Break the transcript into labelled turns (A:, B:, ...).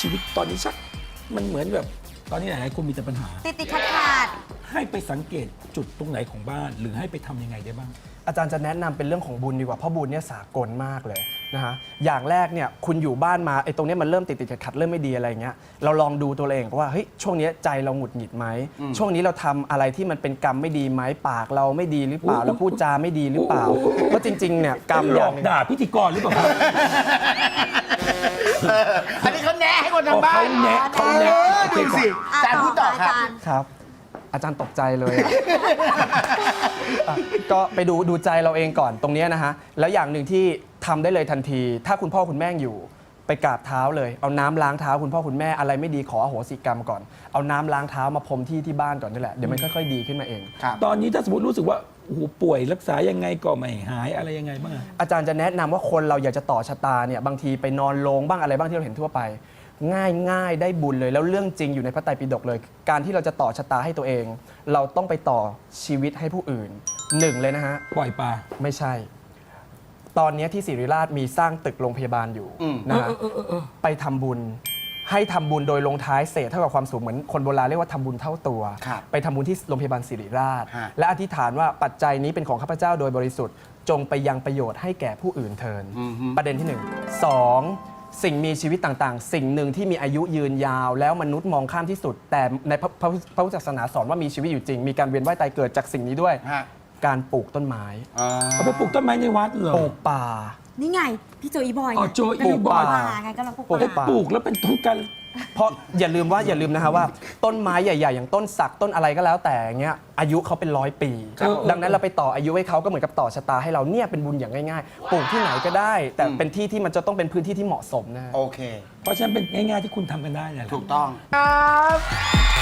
A: ชีวิตตอนนี้ชักมันเหมือนแบบตอนนี้หลายๆคนมีแต่ปัญหา
B: ติดขัด
A: ให้ไปสังเกตจุดตรงไหนของบ้าน หรือให้ไปทำยังไงได้บ้าง
C: อาจารย์จะแนะนำเป็นเรื่องของบุญดีกว่าเพราะบุญเนี่ยสากลมากเลยนะฮะอย่างแรกเนี่ยคุณอยู่บ้านมาไอ้ตรงเนี้ยมันเริ่มติดขัดเริ่มไม่ดีอะไรเงี้ยเราลองดูตัวเองว่าเฮ้ยช่วงเนี้ยใจเราหงุดหงิดไหมช่วงนี้เราทำอะไรที่มันเป็นกรรมไม่ดีไหมปากเราไม่ดีหรือเปล่าเราพูดจาไม่ดีหรือเปล่าเพราะจริงๆเนี่ยกรรม
A: หล
C: อย่า
A: อง ก
C: หนึ่ง
A: ด่าพิธีกรหรือเปล่าครับ
D: อันนี้เขาแนะให้คนทางบ้าน
A: เขาแนะ
D: ดูสิอาจารย์พูดต่อครับ
C: ครับ อาจารย์ตกใจเลยอะ ก็ไปดูใจเราเองก่อนตรงเนี้ยนะฮะแล้วอย่างหนึ่งที่ทำได้เลยทันที ถ้าคุณพ่อคุณแม่อยู่ไปกราบเท้าเลยเอาน้ำล้างเท้าคุณพ่อคุณแม่อะไรไม่ดีขออโหสิกรรมก่อนเอาน้ำล้างเท้ามาพรมที่บ้านก่อนนี่แหละเดี๋ยวมันค่อยๆดีขึ้นมาเอง
A: ตอนนี้ถ้าสมมติรู้สึกว่าโอ้โหป่วยรักษายังไงก็ไม่หายอะไรยังไงบ้างอะ
C: อาจารย์จะแนะนำว่าคนเราอยากจะต่อชะตาเนี่ยบางทีไปนอนโรงบ้างอะไรบ้างที่เราเห็นทั่วไป ง่ายได้บุญเลยแล้วเรื่องจริงอยู่ในพระไตรปิฎกเลย การที่เราจะต่อชะตาให้ตัวเอง เราต้องไปต่อชีวิตให้ผู้อื่นหนึ่งเลยนะฮะ
A: ปล่อยปลา
C: ไม่ใช่ ตอนนี้ที่ศิริราชมีสร้างตึกโรงพยาบาลอยู่นะฮะไปทำบุญให้ทำบุญโดยลงท้ายเศษเท่ากับความสูงเหมือนคนโบราณเรียกว่าทำบุญเท่าตัว
D: ครับ
C: ไปทำบุญที่โรงพยาบาลศิริราช
D: ฮะ
C: และอธิษฐานว่าปัจจัยนี้เป็นของข้าพเจ้าโดยบริสุทธิ์จงไปยังประโยชน์ให้แก่ผู้อื่นเทินประเด็นที่ 1 2 สิ่งมีชีวิตต่างๆ สิ่งหนึ่งที่มีอายุยืนยาว แล้วมนุษย์มองข้ามที่สุด แต่ในพระพุทธศาสนาสอนว่ามีชีวิตอยู่จริง มีการเวียนว่ายตายเกิดจากสิ่งนี้ด้วย
D: ฮะ
C: การปลูกต้นไม้
A: เอาไปปลูกต้นไม้ในวัดเหรอ
C: ปลูกป่า
B: นี่ไง พี่โจอีบอย
A: อ๋อโจอีบอย
B: ไงกำลังปลูก
C: ปลูก
B: ป่า
C: ป่า
A: ปลูกแล้วเป็นต้นกัน
C: เพราะอย่าลืมนะฮะว่าต้นไม้ใหญ่ ๆ อย่างต้นสักต้นอะไรก็แล้วแต่เงี้ยอายุเขาเป็น100 ปี ดังนั้นเราไปต่ออายุให้เขาก็เหมือนกับต่อชะตาให้เราเนี่ยเป็นบุญอย่างง่ายๆปลูกที่ไหนก็ได้ แต่เป็นที่ที่มันจะต้องเป็นพื้นที่ที่เหมาะสมนะฮะ
D: โอเค
A: เพราะฉะนั้นเป็นง่ายๆที่คุณทำกันได้เนี่ยแหละ
D: ถูกต้องครับ